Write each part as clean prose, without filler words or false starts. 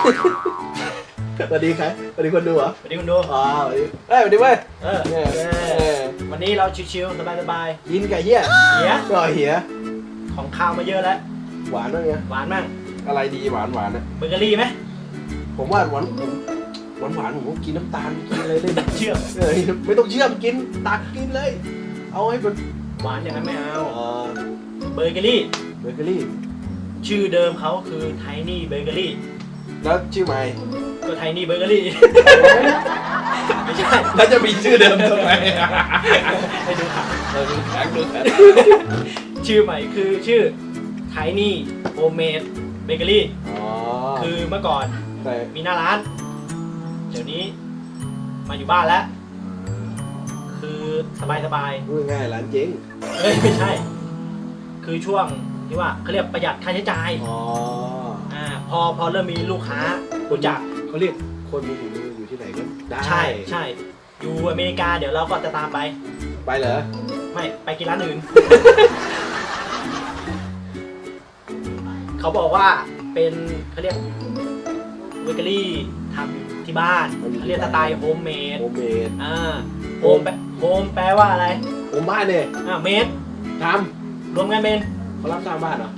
สวัสดีใครสวัสดีคนดูเหรอสวัสดีคุณดูอ๋อสวัสดีเว้ยวันนี้เราชิวๆสบายยินไก่เหี้ยๆเหียก็เหี้ยของข้าวมาเยอะแล้วหวานด้วยไงหวานมากอะไรดีหวานนะเบเกอรี่ไหมผมว่าหวานผมก็กินน้ำตาลกินอะไรได้เชื่อมไม่ต้องเชื่อมกินตักกินเลย เอาให้มันหวานอย่างนั้นไม่เอาเบเบเกอรี่เกอรี่ชื่อเดิมเขาคือไทนี่เบเกอรี่แล้วชื่อใหม่ก็ไทนี่เบเกอรี่ ไม่ใช่แล้วจะมีชื่อเดิมทำไมให้ดูค่ะดูแข็งชื่อใหม่คือชื่อไทนี่โฮมเมดเบเกอรี่อ๋อคือเมื่อก่อนแต่มีหน้าร้าน เดี๋ยวนี้มาอยู่บ้านแล้ว คือสบายพูดง่ายร้านเจ๊งๆเอ้ยไม่ใช่ คือช่วงที่ว่าเขาเรียกประหยัดค่าใช้จ่ายอ๋อพอเริ่มมีลูกค้ารู้จักเขาเรียกคนมีฝีมืออยู่ที่ไหนก็ได้ใช่อยู่อเมริกาเดี๋ยวเราก็จะตามไปไปเหรอไม่ไปกินร้านอื่น เขาบอกว่าเป็นเขาเรียกเบเกอรี่ทำที่บ้านเขาเรียกสไตล์โฮมเมดโฮมเมดโฮมแปลว่าอะไรโฮมบ้านเนี่ยเมดทรวมกันเป็นำเขารับสร้างบ้านเหรอ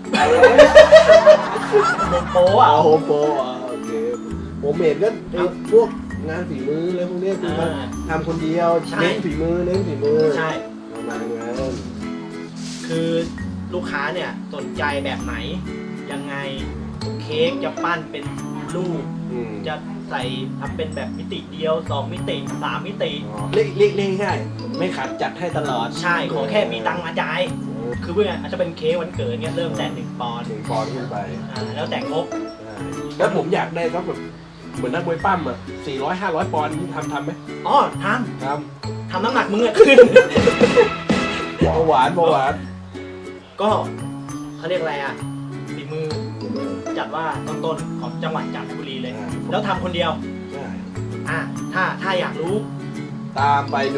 โฮมโปรอ่ะโฮมโปรโอเคโฮมเมดก็ไอ้พวกงานฝีมืออะไรพวกเนี้ยคือมันทำคนเดียวเน้นฝีมือใช่ประมาณนั้นคือลูกค้าเนี่ยสนใจแบบไหน ยังไงเค้กจะปั้นเป็นรูป จะใส่ทำเป็นแบบมิติเดียว2มิติ3มิติเรียกง่ายๆไม่ขาดจัดให้ตลอดใช่ขอแค่มีตังค์มาจ่ายคือเพื่อนอาจจะเป็นเค้กวันเกิดเนี่ยเริ่มแต่1 ปอนด์ถึงปอนด์ขึ้นไปแล้วแต่งบแล้วผมอยากได้สักแบบเหมือนนักมวยปั้มอ่ะ400-500 ปอนด์นี่ทำไหมอ๋อททำน้ำหนักมึงอะขึ้นำเบาหวานก็เขาเรียกอะไรอ่ะฝีมือจัดว่าต้นๆของจังหวัดจันทบุรีเลย แล้วทำคนเดียวใช่ถ้าอยากรู้ตามไปดู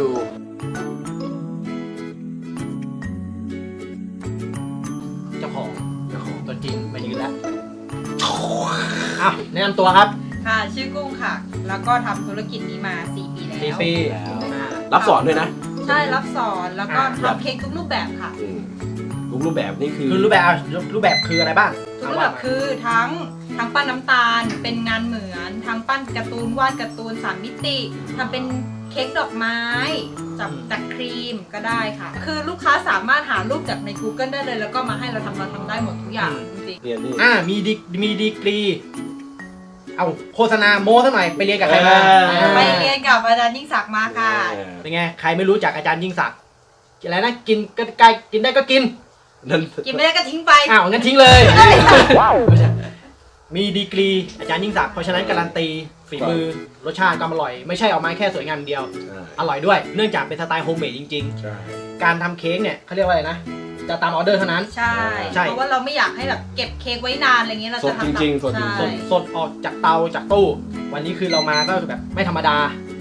เจ้าของตัวจริงมายืนแล้วอ้าวแนะนำตัวครับค่ะชื่อกุ้งค่ะ แล้วก็ทำธุรกิจนี้มา 4 ปีแล้ว 4 ปีรับสอนด้วยนะใช่รับสอนแล้วก็ทำเค้กทุกรูปแบบค่ะทุกรูปแบบนี่คือคือรูปแบบคืออะไรบ้างทุกรูปแบบคือทั้งปั้นน้ำตาลเป็นงานเหมือนทั้งปั้นการ์ตูนวาดการ์ตูน3 มิติทำเป็นเค้กดอกไม้จากครีมก็ได้ค่ะ คือลูกค้าสามารถหารูปจากใน Google ได้เลย แล้วก็มาให้เราทำได้หมดทุกอย่างจริงเรียนนี่มีดีกรี เอาโฆษณาโม้ซะหน่อยไปเรียนกับใครมาๆไปเรียนกับอาจารย์ยิ่งศักดิ์มาค่ะเป็นไงใครไม่รู้จักอาจารย์ยิ่งศักดิ์อะไรนะกินก็ใกล้กินได้ก็กินนั่นกินไม่ได้ก็ทิ้งไปอ้าวงั้นทิ้งเลย มีดีกรีอาจารย์ยิ่งศักดิ์เพราะฉะนั้นการันตีฝีมือรสชาติความอร่อยไม่ใช่ออกมาแค่สวยงามเดียว อร่อยด้วยเนื่องจากเป็นสไตล์โฮมเมดจริงใช่ๆ การทำเค้กเนี่ยเขาเรียกว่าอะไรนะจะตามออเดอร์เท่านั้นใช่ใช่เพราะว่าเราไม่อยากให้แบบเก็บเค้กไว้นานอะไรเงี้ยเราสดจะทำจริงๆสดจริงใช่สดออกจากเตาจากตู้ วันนี้คือเรามาก็คือแบบไม่ธรรมดา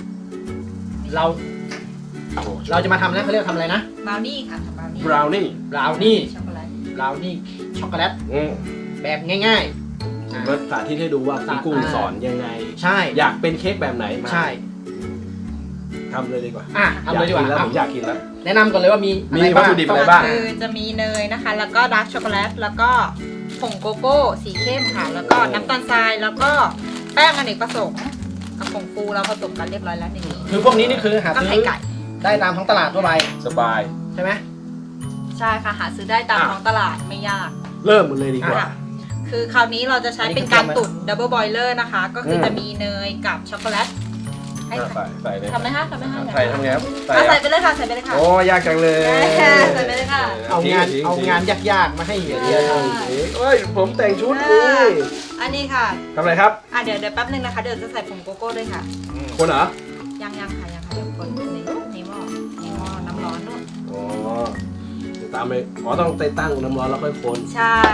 เราจะมาทำนะเขาเรียกทำอะไรนะบราวนี่ค่ะทำบราวนี่บราวนี่บราวนี่ช็อกโกแลตบราวนี่ช็อกโกแลตแบบง่ายๆมาสาธิตให้ดูว่าคุณกุ้งสอนยังไงใช่อยากเป็นเค้กแบบไหนมาใช่ทำเลยดีกว่าทำเลยดีกว่าผมอยากกินแล้วแนะนำก่อนเลยว่ามีมีอะไรวัตบ้างถุดิบ อะไรบ้างคือจะมีเนยนะคะ แล้วก็ดาร์กช็อกโกแลตแล้วก็ผงโกโก้สีเข้มค่ะ แล้วก็น้ำตาลทรายแล้วก็แป้งอเนกประสงค์กับผงฟูเราผสมกันเรียบร้อยแล้วในนี้คือพวกนี้นี่คือหาก็ซื้ไข่อไก่ได้ตามท้องตลาดทั่วไปสบายใช่ไหมใช่ค่ะหาซื้อได้ตามท้องตลาดไม่ยากเริ่มมันเลยดีกว่าค่ะคือคราวนี้เราจะใช้เป็นการตุ๋นดับเบิลบอยเลอร์นะคะ ก็คือจะมีเนยกับช็อกโกแลตให้ใส่เลยทำไหมคะทำไหมคะใส่ทำไงครับใส่ไปเลยค่ะใส่ไปเลยค่ะโอ้ยากจังเลยใส่ไปเลยค่ะเอางานยากๆมาให้เฮียเดี๋ยวเอ้ยผมแต่งชุดนี่อันนี้ค่ะทำอะไรครับเดี๋ยวแป๊บนึงนะคะ เดี๋ยวจะใส่ผงโกโก้ด้วยค่ะคนเหรอยังค่ะยังค่ะเดี๋ยวคนในหม้อน้ำร้อนนู่นอ๋อตามไปต้องไปตั้งน้ำร้อนแล้วค่อยคนใช่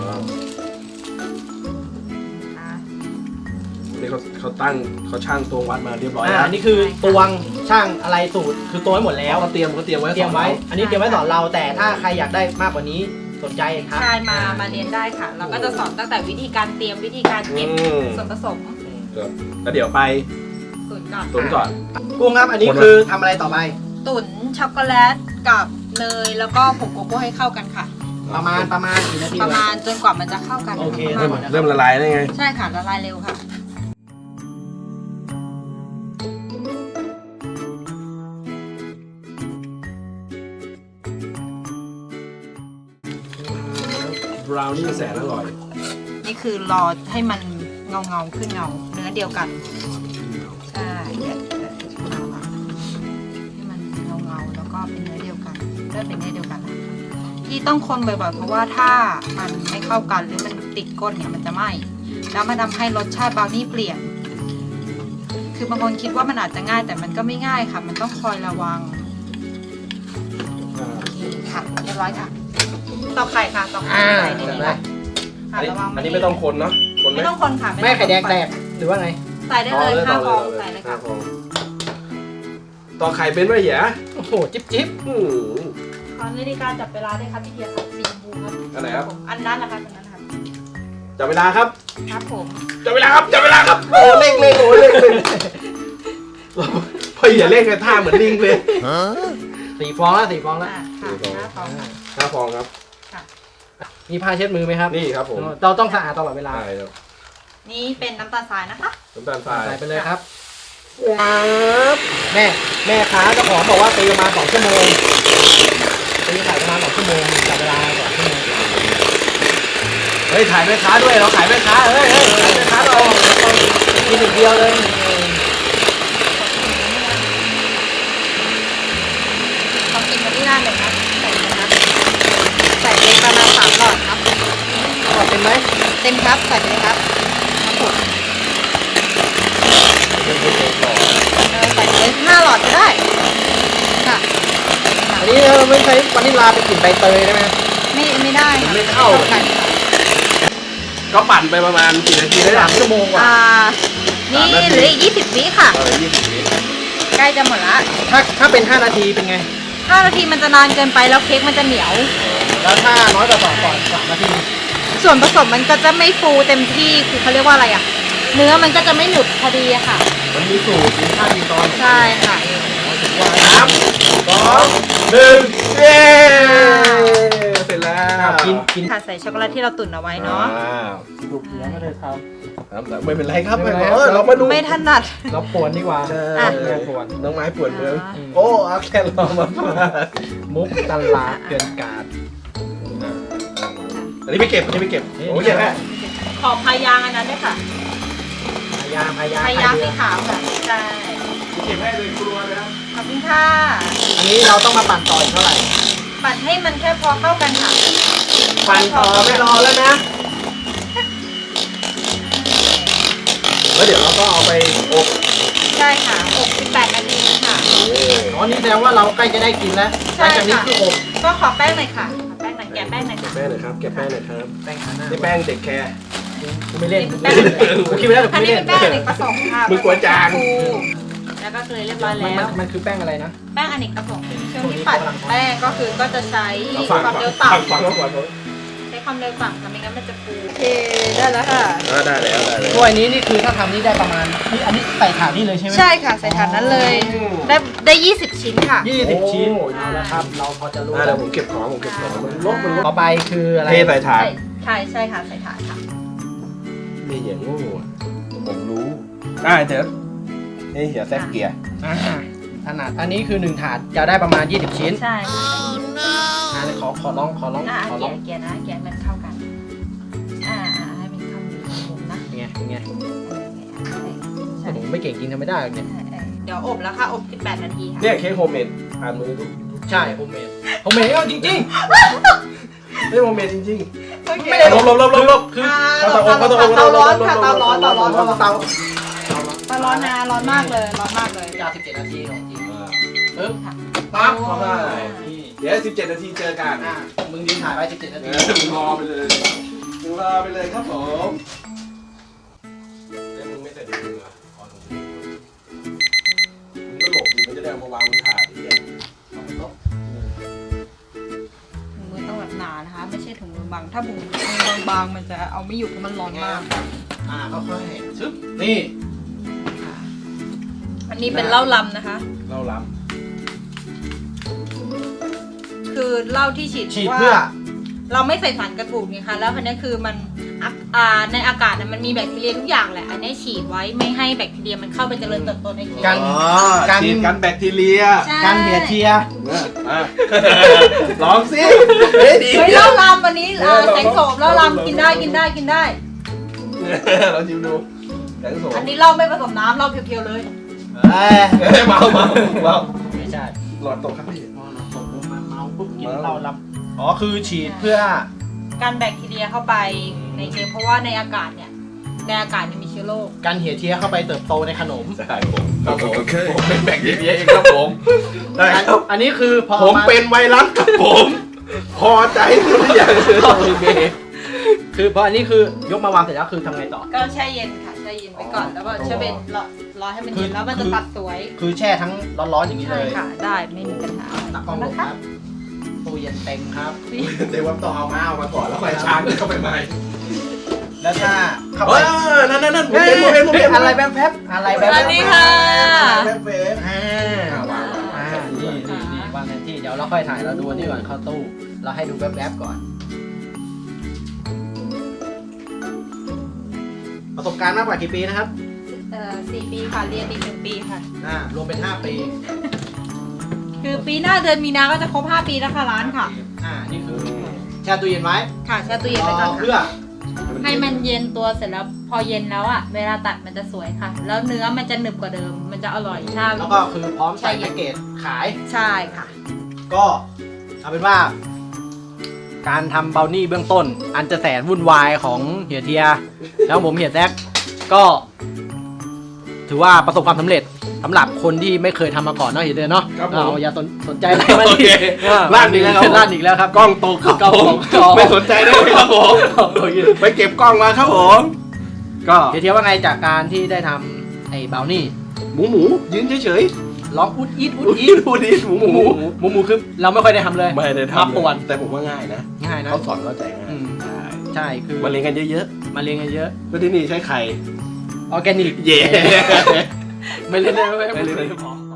ค่ะนี่เขาตั้งเขาช่างตวงวัดมาเรียบร้อยแล้วอันนี้คือตวงช่างอะไรสูตรคือตวงไว้หมดแล้วเขาเตรียมไว้เตรียมไว้ อันนี้เตรียมไว้สอนเราแต่ถ้าใครอยากได้มากกว่านี้สนใจครับใช่มาเรียนได้ค่ะ เราก็จะสอนตั้งแต่วิธีการเตรียมวิธีการเก็บส่วนผสมครับแล้วเดี๋ยวไปตุ๋นก่อนตุ๋นก่อนกุ้งครับอันนี้คือทำอะไรต่อไปตุ๋นช็อกโกแลตกับเนยแล้วก็ผงโกโก้ให้เข้ากันค่ะประมาณกี่นาทีประมาณจนกว่ามันจะเข้ากันโอเคค่ะประมาณเริ่มละลายได้ไงใช่ค่ะละลายเร็วค่ะบราวนี่แสนอร่อยนี่คือรอให้มันเงาขึ้นเงาเนื้อเดียวกันใช่เดี๋ยวเอาละให้มันเงาแล้วก็เป็นเนื้อเดียวกันเริ่มเป็นเนื้อเดียวกันแล้วที่ต้องคนบ่อยๆเพราะว่าถ้ามันไม่เข้ากันหรือมันติดก้นเนี่ยมันจะไหม้แล้วมันทำให้รสชาติบราวนี่เปลี่ยน คือบางคนคิดว่ามันอาจจะง่ายแต่มันก็ไม่ง่ายค่ะ มันต้องคอยระวังโอเคค่ะเรียบร้อยค่ะตอกไข่ค่ะตอกไข่ใส่ในนี้ค่ะค่ะระวังอันนี้ไม่ต้องคนเนาะคนไหมไม่ต้องคนค่ะแม่ไข่แดงแตกหรือว่าไงใส่ได้เลย5 ฟองใส่เลยค่ะ 5 ฟองต่อไข่เป็นไหมเหี้ยโอ้โหจิ๊บอืมขอนาฬิกาจับเวลาด้วยครับพี่เทียครับสีชมพูครับอันไหนครับอันนั้นนะคะอันนั้นนะครับจับเวลาครับครับผมจับเวลาครับจับเวลาครับโอ้เร่งโอ้เร่งพออย่าเร่งกันท่าเหมือนลิงเลย 4 ฟองแล้ว4 ฟองแล้วอ่าค่ะ5 ฟองค่ะ 5 ฟองครับมีผ้าเช็ดมือไหมครับนี่ครับผมเราต้องสะอาดตลอดเวลาใช่ครับนี่เป็นน้ำตาลทรายนะคะน้ำตาลทรายใส่ไปเลยครับแม่ค้าเจ้าของบอกว่าตีประมาณ2 ชั่วโมงตีไข่ประมาณ2 ชั่วโมงจับเวลา2 ชั่วโมงเฮ้ยถ่ายแม่ค้าด้วยเราขายแม่ค้าเฮ้ยขายแม่ค้าเรากินอีกเดียวเลยขอกินมาที่หน้าหนึ่งนะใส่เลยนะใส่เลยประมาณ3 หลอดครับอร่อยเป็นไหมเต็มครับใส่ไปเลยครับครับผมใส่เลย5 หลอดก็ได้ค่ะอันนี้เราไม่ใช้วานิลลาเป็นกลิ่นใบเตยได้ไหมไม่ได้ค่ะไม่เข้าไข่ค่ะก็ปั่นไปประมาณกี่นาทีได้ 3 ชั่วโมงกว่านี่เหลืออีก20 วิค่ะ 20 วิใกล้จะหมดละถ้าเป็น5 นาทีเป็นไง 5 นาทีมันจะนานเกินไปแล้วเค้กมันจะเหนียวแล้วถ้าน้อยกว่า3 นาทีส่วนผสมมันก็จะไม่ฟูเต็มที่คือเขาเรียกว่าอะไรอ่ะ เนื้อมันก็จะไม่หนุดพอดีอะค่ะมันมีสูตรมีขั้นมีตอนใช่ค่ะ 3 2 1เย้เสร็จแล้วกินค่ะใส่ช็อกโกแลตที่เราตุ๋นเอาไว้เนาะลูกเลี้ยงไม่ได้ทไม่เป็นไรครับไม่เป็นไรเรามาดูไม่ถนัดำเราปวนดีกว่าใช่อ่ะแม่ปวนน้องไม้ปวดมืออ่าโอ้เอาแค่รอมาพาดมุกตลาดเกินการอันนี้ไม่เก็บ อันนี้ไม่เก็บ โอ้ยแย่แล้วขอพายางอันนั้นด้วยค่ะพายางพายางสีขาวค่ะใช่เก็บให้เลยครัวเลยครับขอบคุณค่ะอันนี้เราต้องมาปั่นต่ออีกเท่าไหร่ปั่นให้มันแค่พอเข้ากันค่ะปั่นต่อไม่รอแล้วนะ แล้วเดี๋ยวเราก็เอาไปอบใช่ค่ะ68 นาทีค่ะอ๋อนี่แสดงว่าเราใกล้จะได้กินแล้วใช่หลังจากนี้ค่ะคืออบก็ขอแป้งหน่อยค่ะขอแป้งหน่อยแกะแป้งหน่อยค่ะแป้งหน่อยครับแกะแป้งหน่อยครับแป้งขาหน้านี่แป้งเด็กแคร์กูไม่เล่นแป้งกูคิดไว้แล้วแต่กูอันไม่นี้เล่เป็น นแป้งอเนกประสงค์ค่ะมึงกลัวจางฟูแล้วก็เกลือเรียบร้อยแล้วมันคือแป้งอะไรนะแป้งอเนกประสงค์ช่วงที่ปั่นแป้งก็คือก็จะใช้เอาคฟังวามก่อนเร็วฟังต่ำฟังก่อนใช้ความเร็วต่ำทำไม่งั้นมันจะฟูโอเคได้แล้วค่ะได้แล้วได้แล้วถ้วยนี้นี่คือถ้าทำนี่ได้ประมาณอันนี้ใส่ถาดนี่เลยใช่ไหมใช่ค่ะใส่ถาดนั้นเลย ได้20 ชิ้นค่ะ 20 ชิ้นโอ้เอาละครับ เราพอจะรู้เดี๋ยวผมเก็บของมันลบมันลบต่อไปคืออะไรเทใส่ถาดใช่ใช่ค่ะใส่ถาดค่ะไม่อย่างโง่อะผมรู้ได้เดี๋ยวนี่เหี่ยแซกเกียร์อ่าถนัดอันนี้คือ1ถาดจะได้ประมาณ20 ชิ้นใช่ค่ะขอลองเกียร์นะเกียร์มันเข้ากันให้มันเข้ากันมุมนะไงไงใช่ผมไม่เก่งจริงทำไม่ได้หรอกเนี่ยเดี๋ยวอบแล้วค่ะอบ18 นาทีค่ะเนี่ยเค้กโฮมเมดอ่านมือดูใช่ผมเมดผมเมดก็จริงเฮ้ยโฮมเมดจริงโอเคไม่ได้ๆลบคือเตาร้อนค่ะเตาร้อนๆเตาเตาร้อนนะร้อนมากเลยร้อนมากเลยยาว17 นาทีของจริงปึ๊บค่ะปั๊บเข้าได้เดี๋ยว17 นาทีเจอกันมึงยืนถ่ายไว้17 นาทีมึงรอไปเลยมึงรอไปเลยครับผมแต่มึงไม่ใส่ถุงมืออ่ะมึงก็หลบดิมันจะได้เอามาวางบนถาดที่เนี่ยมือต้องแบบหนานะคะ ไม่ใช่ถ้าบุ๋มมือบางๆมันจะเอาไม่อยู่เพราะมันร้อนมากค่อยๆชึบนี่อันนี้เป็นเหล้าลำนะคะเราล้คือเหล้าที่ฉีดฉีดพราะเพื่อว่าเราไม่ใส่สารกระตุ้นไงคะแล้วคันนี้คือมันในอากาศน่ะมันมีแบคทีเรียทุกอย่างแหละอันนี้ฉีดไว้ไม่ให้แบคทีเรียมันเข้าไปเจริญเติบโตในเค้กกันำฉีดกันแบคทีเรียใช่การเหียเทียลองสิเฮ้ยดีเฮ้ยเหล้าลำวันนี้แสงโสมเหล้าลำกินได้กินได้กินได้เราชิมดูแสงโสมอันนี้เหล้าไม่ผสมน้ำเหล้าเพียวๆเลยเมาไม่ใช่หลอดตกครับพี่พอเราตกลงมาเมาปุ๊บกินเหล้าลำอ๋อคือฉีดเพื่อการแบคทีเรียเข้าไปในเค้กเพราะว่าในอากาศเนี่ยในอากาศเนี่ยมีเชื้อโรคการเหียเทียเข้าไปเติบโตในขนมใช่ผมครับผมผมเป็นแบคทีเรียเองครับผมได้ครับอันนี้คือพอผมเป็นไวรัสครับผมพอใจทุกอย่างเลยโอเคคือพออันนี้คือยกมาวางเสร็จแล้วคือทำไงต่อก็แช่เย็นค่ะแช่เย็นไปก่อนแล้วก็แช่เย็นรอให้มันเย็นแล้วมันจะตัดสวยคือแช่ทั้งร้อนๆอย่างนี้เลใช่ยค่ะได้ไม่มีปัญหาตักกล้องลงครับตู้เย็นเต็มครับเดี๋ยววันต่อเอามาก่อนแล้วค่อยช้างเข้าไปใหม่แล้วถ้าเข้าเอไปอนั่นผมเห็นอะไรแป๊บๆอะไรแป๊บสวัสดีค่ะแป๊บๆอ่านี่วางแผนที่เดี๋ยวเราค่อยถ่ายเราดูอันนี้ก่อนเข้าตู้เราให้ดูแป๊บๆก่อนประสบการณ์มากกว่ากี่ปีนะครับ 4 ปีค่ะเรียนอีก1 ปีค่ะรวมเป็น5 ปีคือปีหน้าเดือนมีนาก็จะครบ5 ปีแล้วค่ะร้านค่ะนี่คือแช่ตู้เย็นไว้ค่ะแช่ตู้เย็นไปก่อนเพื่อค่ะให้มันเย็นตัวเสร็จแล้วพอเย็นแล้วอ่ะเวลาตัดมันจะสวยค่ะ แล้วเนื้อมันจะหนึบกว่าเดิม มันจะอร่อยถ้าแล้วก็คือพร้อมใส่แพ็กเกจขายใช่ค่ะก็เอาเป็นว่า การทำเบลนี่เบื้องต้น อันจะแสนวุ่นวายของเฮียเทีย แล้วผมเฮียแซกก็ ถือว่าประสบความสำเร็จสำหรับคนที่ไม่เคยทำมาก่อนเนาะเฮียเทียเนาะอย่าสนใจอะไรมาดิลั่นอีกแล้วครับลั่นอีกแล้วครับกล้องตกครับผมไม่สนใจได้ไหมครับผมไปเก็บกล้องมาครับผมก็เฮียเทียว่าไงจากการที่ได้ทำไอ้เบลนี่หมูยืนเฉยร้องอุดอีดอุดๆอีดดูดิหมูหมูคือเราไม่ค่อยได้ทำเลยไม่ได้มาทำป่วนแต่ผมว่าง่ายนะง่ายนะเขาสอนเข้าใจง่ายใช่คือมาเรียนกันเยอะมาเรียนกันเยอะๆก็ที่นี่ใช้ไข่ออร์แกนิกเย่ไม่เล่นได้ไม่ไม่เล่นได้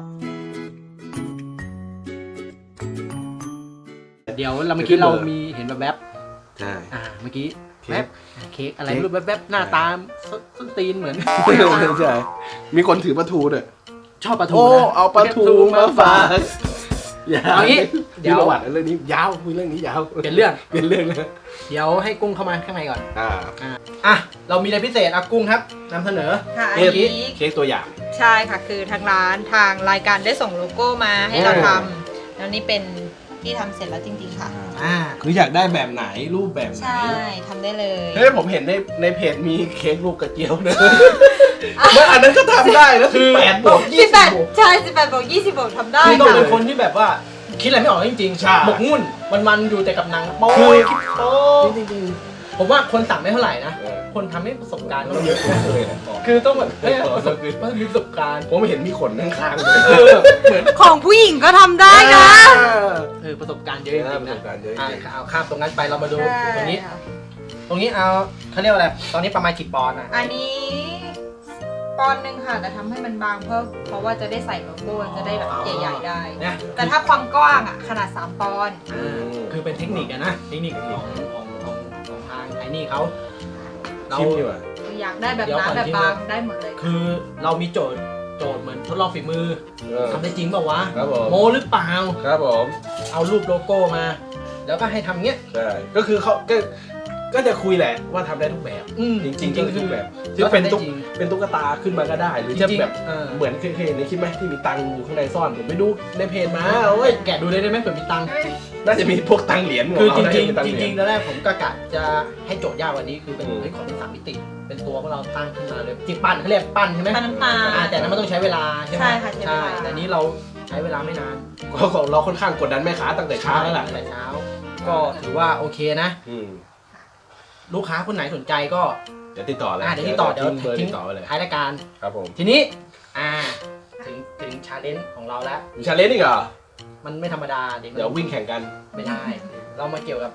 เดี๋ยวเราเมื่อกี้เรามีเห็นแบบใช่เมื่อกี้เค้กแวบเค้กอะไรไม่รู้แบบหน้าตาส้นตีนเหมือนใช่มีคนถือปลาทูด้วยชอบปลาทูโอ้นะเอาปลาทูมาฝากเอางี้เดี๋เดี๋ยยว วประวัติเรื่องนี้ยาวคุยเรื่องนี้ยาวเปลี่ยนเรื่องเป็นเรื่องนะเดี๋ยวให้กุ้งเข้ามาข้างในก่อนอ่าเรามีอะไรพิเศษกุ้งครับนำเสนอค่ะอันเค้กนี้เค้กตัวอย่างใช่ค่ะคือทางร้านทางรายการได้ส่งโลโก้มาให้เราทำแล้วนี่เป็นที่ทำเสร็จแล้วจริงๆค่ะคืออยากได้แบบไหนรูปแบบไหนใช่ทำได้เลยเฮ้ยผมเห็นในเพจมีเค้กรูปกระเจียวนะแล้วอันนั้นก็ทำได้แล้วคือ8 บวก 18ใช่18 บวก 20 บวกทำได้คือต้องค่ะเป็นคนที่แบบว่าคิดอะไรไม่ออกจริงใช่หมกมุ่นมันอยู่แต่กับหนังโป๊คือคิดโป๊จริงผมว่าคนสั่งไม่เท่าไหร่นะๆคนทำให้ประสบการณ์ต้ต้อองงเยเยอะอะแน่เลยนะคือต้องแบบมีประสบการณ์ผมเห็นมีขนข้างๆเลยเหมือนของผู้หญิงก็ทำได้นะประสบการณ์เยอะจริงๆประสนะบการณ์เยอะจริงเอาข้ามตรงนั้นไปเรามาดูใช่ตรงนี้ค่ะตรงนี้เอาเขาเรียกว่าอะไรตอนนี้ประมาณกี่ปอนด์อ่ะอันนี้ปอนด์หนึ่งค่ะแต่ทำให้มันบางเพราะว่าจะได้ใส่โลโก้จะได้แบบใหญ่ๆได้นะแต่ถ้าความกว้างอ่ะขนาด3 ปอนด์คือเป็นเทคนิคอะนะเทคนิคของทางไอ้นี่เขาเราชิมดีกว่าอยากได้แบบเดี๋ยวน้ำก่อนแบบที่บางได้หมดเลยคือเรามีโจทย์เหมือนทดลองฝีมือทำได้จริงเปล่าวะครับผมโมหรือเปล่าครับผมเอารูปโลโก้มา แล้วก็ให้ทำเงี้ยใช่ก็คือเขาก็จะคุยแหละว่าทำได้ทุกแบบจริงๆก็คือทุกแบบซึ่งเป็นตุ๊กตาขึ้นมาก็ได้ หรือจะแบบเหมือนเคยเห็นในคลิปไหมที่มีตังค์อยู่ข้างในซ่อนผมไปดูในเพจมาโอ้ยแกะดูได้ไหมเผื่อมีตังค์น่าจะมีพวกตังค์เหรียญคือจเาได้ริงมีตัๆค์จเหยญริงๆตอนแรกผมก็กะจะให้โจทย์ยากกว่านี้คือเป็นอืมขอเป็น3 มิติ เป็นตัวพวกเราตั้งขึ้นมาเลยจิปั้นเขาเรียกปั้นใช่ไหมปั้นน้ำตาลแต่นั้นมันต้องใช้เวลาใช่ไหมใช่ค่ะใช้เวลาแต่นี้เราใช้เวลาไม่นานของเราค่อนข้างกดดันแม่ค้าตั้งแต่เช้าแล้วล่ะตั้งแต่เช้า ก็ถือว่าโอเคนะ ลูกค้าคนไหนสนใจก็เดี๋ยวติดต่อเลยเดี๋ยวติดต่อเดี๋ยวทิ้งเบอร์ทิ้ติงดต่อไว้เลยท้ายรายการครับผมทีนี้ถึงชาเลนจ์ของเราแล้วมีชาเลนจ์อีกเหรอมันไม่ธรรมดาเด็กเดี๋ยววิ่งแข่งกันไม่ได้ เรามาเกี่ยวกับผ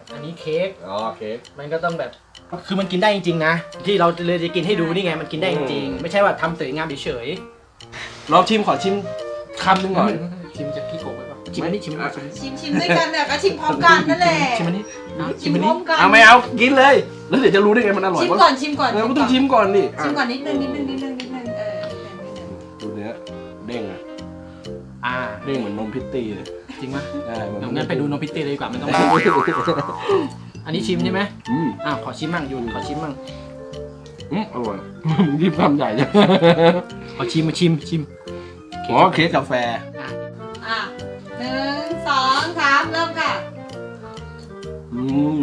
อันนี้เค้กอ๋อเค้กมันก็ต้องแบบคือมันกินได้จริงๆนะที่เราเลยจะกินให้ดูนี่ไงมันกินได้จริงๆไม่ใช่ว่าทำสวยงามเฉยลองชิมขอชิมคำหนึงหน่อยชิมจะพี่โกะไปป่ะชิมอันนี้ชิมอันนี้ชิมด้วยกันเนี่ยก็ชิมพร้อมกันนั่นแหละชิมอันนี้ชิมพร้อมกันเอาไม่เอากินเลย แล้วเดี๋ยวจะรู้ได้ไงมันอร่อยชิมวะก่อนชิมก่อนก็ต้องชิมก่อนดิชิมก่อนนิดนึงนิดนึงดูเนื้อเด้งอะอ่าเด้งเหมือนนมพิตตี้เลยจริงไหมใช่เหมือนเดี๋ยวงั้นไปดูโนพิตตี้เลยดีกว่าไม่ต้องอันนี้ชิมใช่ไหมอืมขอชิมมั่งยุนขอชิมมั่งอร่อยรีบทำใหญ่จังขอชิมมาชิมอ๋อเค้กกาแฟอ่ะ1 2 3เริ่มค่ะอืม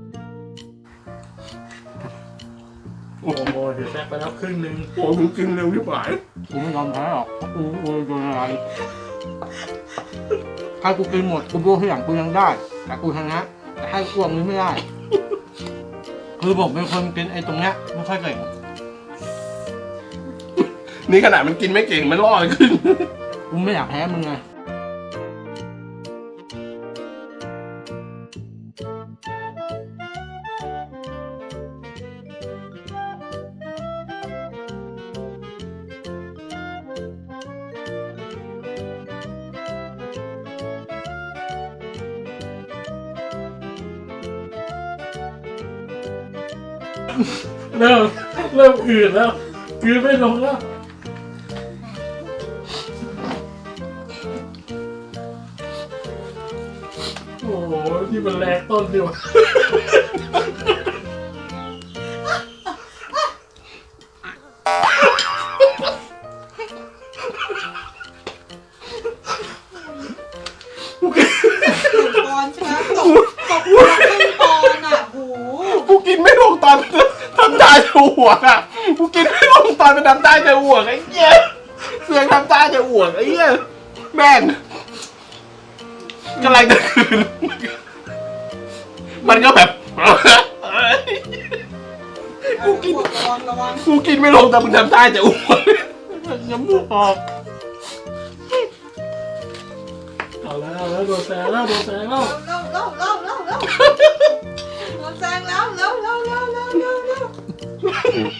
โอ้โหเดี๋ยวแซ่บไปแล้วครึ่งนึงโอ้มึงกินเร็วที่ไหนกูไม่ยอมแพ้หรอกกูโดนอะไรถ้ากูกินหมดกูโบที่หลังกูยังได้แต่กูชนะแต่ให้อ้วกนี้ไม่ได้คือผมเป็นคนกินไอ้ตรงเนี้ยไม่ค่อยเก่งนี่ขนาดมันกินไม่เก่งมันล่อเลยขึ้นกูไม่อยากแพ้มึงไงเริ่มอืดแล้วคืนไม่ลงแล้ว โอ้โหที่มันแรงต้นดีวะปอนใช่ไหมตกหัวครึ่งปอนอ่ะโหกูกินไม่ลงตอนทำตาจะอ้วกอ่ะกูกินไม่ลงตอนเป็นทำตาจะอ้วกไอ้เหี้ยเสือกทำตาจะอ้วกไอ้เหี้ยแม่งกำลังจะคืนมันก็แบบกูกินระวังกูกินไม่ลงแต่มึงทำตาจะอ้วกน้ำมูกออกเอาแล้วโดนแซงแล้วเร็วแซงแล้วเร็ว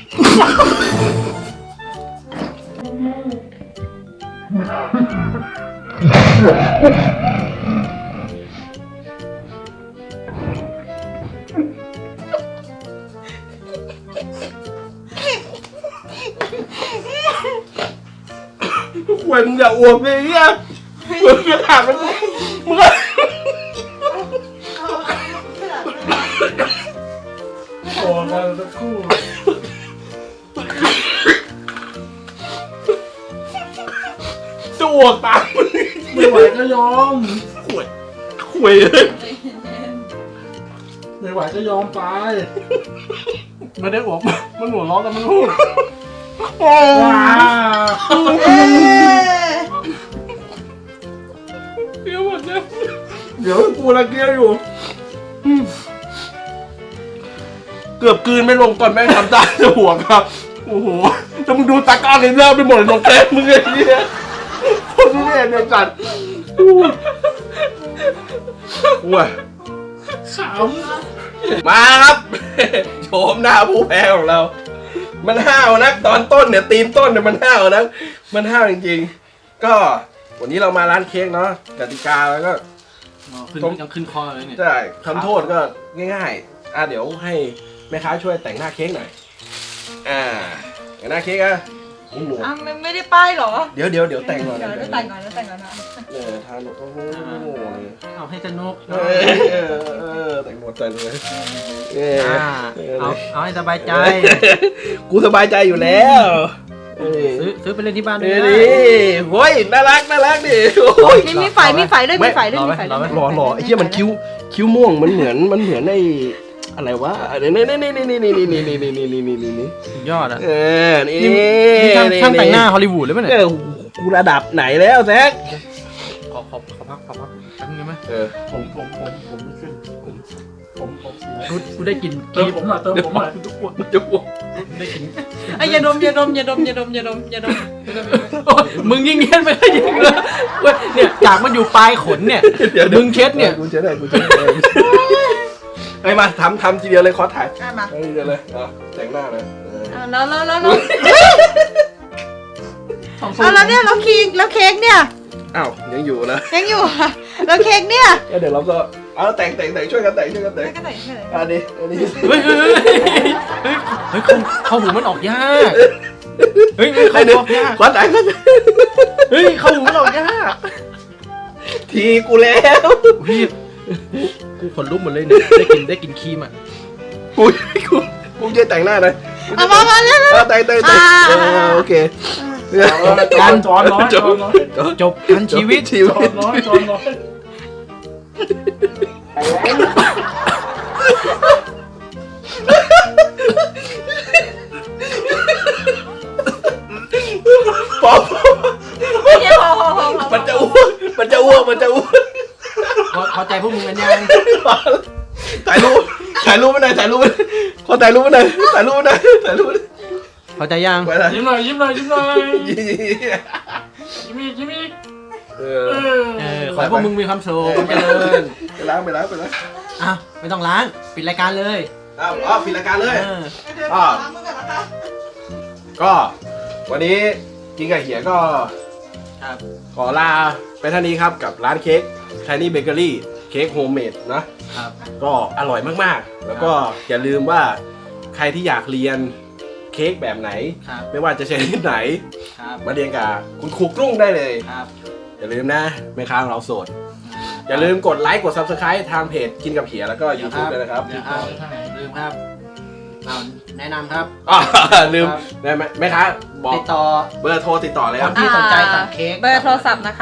ควยมึงอย่าอ้วกเลยเนี่ยมึงจะถามมันมึงก็โอ้กันสักครู่จะอ้วกตามมึงไม่ไหวก็ยอมควยเลยไม่ไหวก็ยอมไปไม่ได้อวกมันหัวร้อนแต่มันพูดโอ้เดี๋ยวหมดเนี่ยเดี๋ยวกูระเกียอยู่เกือบกลืนไม่ลงตอนแม่งทำตาจะหัวครับโอ้โหถ้ามึงดูตากล้องเลยเริ่มไปหมดเลยน้องแก้มมึงไอ้เนี่ยคนนี้เนี่ยจัดว้ยขมาครับ โฉมหน้าผู้แพ้ของเรา มันห้าวนะตอนต้นเนี่ยตีนต้นเนี่ยมันห้าวนะมันห้าวจริงๆก็วันนี้เรามาร้านเค้กเนาะกติกาแล้วก็ำยังขึ้นคอเลยเนี่ยใช่ทำโทษก็ง่ายๆเดี๋ยวให้แม่ค้าช่วยแต่งหน้าเค้กหน่อยแต่งหน้าเค้กโอ้โหอ่ะไม่ได้ป้ายเหรอเดี๋ยวแต่งก่อนเดี๋ยวแต่งก่อนนะทานโอ้โหเอาให้สนุกแต่งหมดใจเลยเอาให้สบายใจกูสบายใจอยู่แล้วซื้อไปเล่นที่บ้านด้วยนี่โว้ยน่ารักดิมีไฟด้วยมีไฟด้วยรอไอ้เหี้ยมันคิ้วม่วงมันเหมือนไอ้อะไรวะนี่สุดยอดอ่ะนี่ช่างแต่งหน้าฮอลลีวูดเลยมั้ยเนี่ยกูระดับไหนแล้วแซคขอพักแป๊บนึงไหมผมไม่ขึ้นผมกูได้กลิ่นเติมผมหน่อยทุกคนจะอ้วกได้กลิ่นอย่าดมมึงยิ่งเงี้ยไปได้ยิ่งเลยเนี่ยจากมันอยู่ปลายขนเนี่ยมึงเช็ดเนี่ยกูเช็ดได้เฮ้ยมาทำทีเดียวเลยขอถ่ายมาทีเดียวเลยแต่งหน้าเลยแล้วเนี่ยแล้วเค้กเนี่ยอ้าวยังอยู่นะยังอยู่อะแล้วเค้กเนี่ยเดี๋ยวเราก็แต่งช่วยกันแต่งก็ใส่อันนี้เฮ้ยเข้าหูมันออกยากเฮ้ยเข้าหูออกยากขอแต่งเฮ้ยเข้าหูมันออกยากทีกูแล้วพี่กูขนลุกหมดเลยเนี่ยได้กินครีมอ่ะกูจะแต่งหน้าเลยมาเร็วแต่งโอเคจอนน้อยจบกันชีวิตจอนน้อยปอบๆเนี่ยพอมันจะอ้วกพอใจพวกมึงกันยังถ่ายรูปไม่ได้ขอถ่ายรูปไม่ได้พอใจยังไปเลยยิ้มหน่อยยิ้มอีกขอให้พวกมึงมีความสุขความเจริญไปล้างอ่ะไม่ต้องล้างปิดรายการเลยปิดรายการเลยก็วันนี้กินกับเหียก็ครับขอลาไปเท่านี้ครับกับร้านเค้ก Tiny Bakery เค้กโฮมเมดนะครับ ก็อร่อยมากๆ แล้วก็อย่าลืมว่าใครที่อยากเรียนเค้กแบบไหนครับไม่ว่าจะชนิดไหนครับมาเรียนกับคุณครูกรุ้งได้เลยครับอย่าลืมนะแม่ค้าของเราโสด อย่าลืมกดไลค์กด Subscribe ทางเพจกินกับเหียแล้วก็ YouTube ด้วยนะครับลืมครับแนะนำครับลืมได้ไหมแม่ค้าบอกติดต่อเบอร์โทรติดต่อเลยครับที่สนใจสั่งเค้กเบอร์โทรศัพท์นะคะ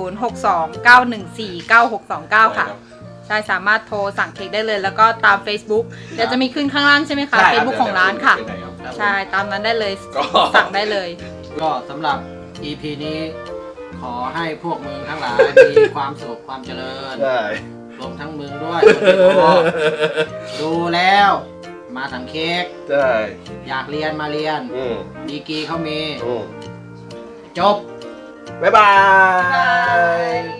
0629149629 ค่ะ ใช่สามารถโทรสั่งเค้กได้เลย แล้วก็ตาม Facebook เดี๋ยวจะมีขึ้นข้างล่างใช่ไหมคะ Facebook ของร้านค่ะ ใช่ตามนั้นได้เลยก็สั่งได้เลยก็สำหรับ EP นี้ขอให้พวกมึงทั้งหลายมีความสุขความเจริญได้รวมทั้งมึงด้วยคนที่พอดูแล้วมาสั่งเค้กได้อยากเรียนมาเรียน ดีกรีเขามี จบบ๊ายบาย